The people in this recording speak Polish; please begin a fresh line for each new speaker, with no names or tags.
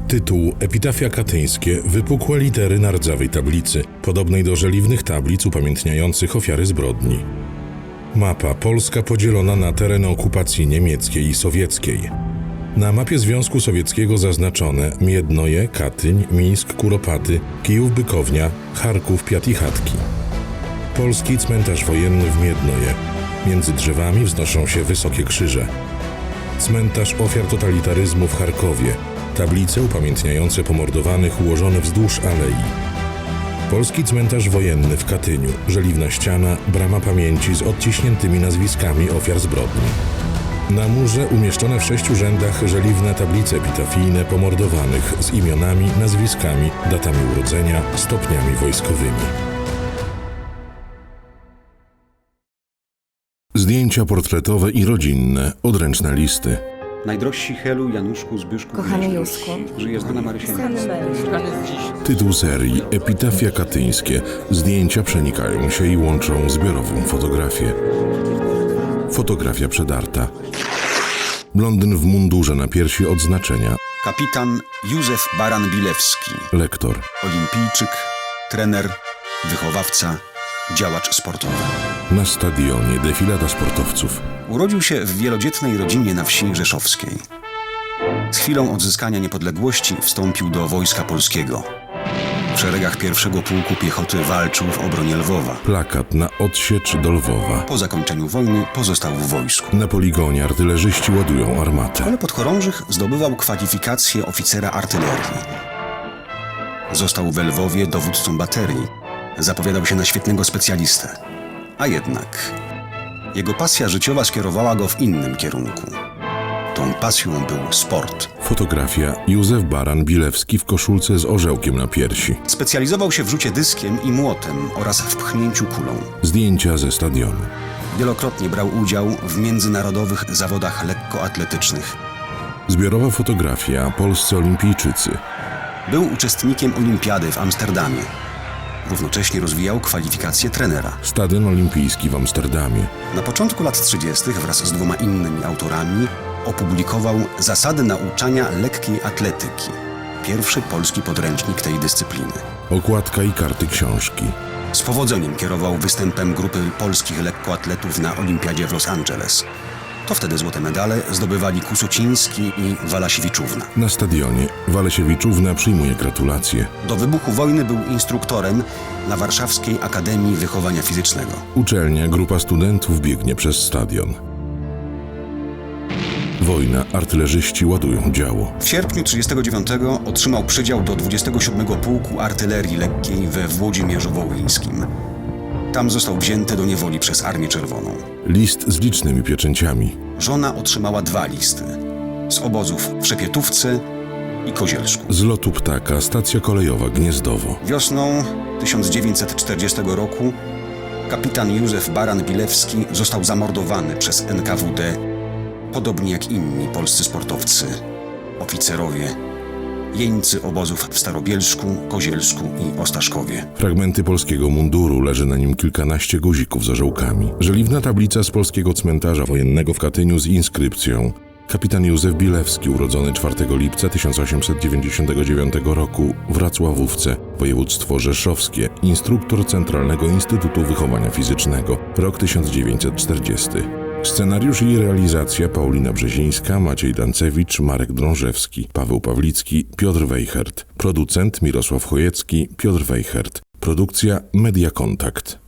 Tytuł Epitafia katyńskie, wypukłe litery na rdzawej tablicy, podobnej do żeliwnych tablic upamiętniających ofiary zbrodni. Mapa Polska podzielona na tereny okupacji niemieckiej i sowieckiej. Na mapie Związku Sowieckiego zaznaczone Miednoje, Katyń, Mińsk, Kuropaty, Kijów-Bykownia, Charków, Piat i Chatki. Polski cmentarz wojenny w Miednoje. Między drzewami wznoszą się wysokie krzyże. Cmentarz ofiar totalitaryzmu w Charkowie. Tablice upamiętniające pomordowanych ułożone wzdłuż alei. Polski cmentarz wojenny w Katyniu. Żeliwna ściana, brama pamięci z odciśniętymi nazwiskami ofiar zbrodni. Na murze umieszczone w 6 rzędach żeliwne tablice epitafijne pomordowanych z imionami, nazwiskami, datami urodzenia, stopniami wojskowymi. Zdjęcia portretowe i rodzinne, odręczne listy.
Najdrożsi Helu, Januszku, Zbyszku,
Kochany Józku,
żyje znana Marysia.
Tytuł serii Epitafia katyńskie. Zdjęcia przenikają się i łączą zbiorową fotografię. Fotografia przedarta. Blondyn w mundurze na piersi odznaczenia.
Kapitan Józef Baran-Bilewski.
Lektor.
Olimpijczyk, trener, wychowawca, działacz sportowy.
Na stadionie defilada sportowców.
Urodził się w wielodzietnej rodzinie na wsi rzeszowskiej. Z chwilą odzyskania niepodległości wstąpił do Wojska Polskiego. W szeregach pierwszego pułku piechoty walczył w obronie Lwowa.
Plakat na odsiecz do Lwowa.
Po zakończeniu wojny pozostał w wojsku.
Na poligonie artylerzyści ładują
W
armatę.
szkole podchorążych zdobywał kwalifikację oficera artylerii. Został we Lwowie dowódcą baterii. Zapowiadał się na świetnego specjalistę. A jednak jego pasja życiowa skierowała go w innym kierunku. Tą pasją był sport.
Fotografia Józef Baran-Bilewski w koszulce z orzełkiem na piersi.
Specjalizował się w rzucie dyskiem i młotem oraz w pchnięciu kulą.
Zdjęcia ze stadionu.
Wielokrotnie brał udział w międzynarodowych zawodach lekkoatletycznych.
Zbiorowa fotografia Polscy olimpijczycy.
Był uczestnikiem olimpiady w Amsterdamie. Równocześnie rozwijał kwalifikacje trenera.
Stadion olimpijski w Amsterdamie.
Na początku lat 30. wraz z 2 innymi autorami opublikował Zasady nauczania lekkiej atletyki. Pierwszy polski podręcznik tej dyscypliny.
Okładka i karty książki.
Z powodzeniem kierował występem grupy polskich lekkoatletów na olimpiadzie w Los Angeles. To wtedy złote medale zdobywali Kusociński i Walasiewiczówna.
Na stadionie Walesiewiczówna przyjmuje gratulacje.
Do wybuchu wojny był instruktorem na Warszawskiej Akademii Wychowania Fizycznego.
Uczelnia, grupa studentów biegnie przez stadion. Wojna, artylerzyści ładują działo.
W sierpniu 1939 otrzymał przydział do 27 Pułku Artylerii Lekkiej we Włodzimierzu Wołyńskim. Tam został wzięty do niewoli przez Armię Czerwoną.
List z licznymi pieczęciami.
Żona otrzymała 2 listy. Z obozów w Szepietówce i Kozielsku.
Z lotu ptaka, stacja kolejowa Gniezdowo.
Wiosną 1940 roku kapitan Józef Baran-Bilewski został zamordowany przez NKWD, podobnie jak inni polscy sportowcy, oficerowie, jeńcy obozów w Starobielsku, Kozielsku i Ostaszkowie.
Fragmenty polskiego munduru, leży na nim kilkanaście guzików z orzełkami. Żeliwna tablica z polskiego cmentarza wojennego w Katyniu z inskrypcją. Kapitan Józef Bilewski, urodzony 4 lipca 1899 roku w Racławówce, województwo rzeszowskie, instruktor Centralnego Instytutu Wychowania Fizycznego, rok 1940. Scenariusz i realizacja Paulina Brzezińska, Maciej Dancewicz, Marek Drążewski, Paweł Pawlicki, Piotr Wejchert. Producent Mirosław Chojecki, Piotr Wejchert. Produkcja Media Kontakt.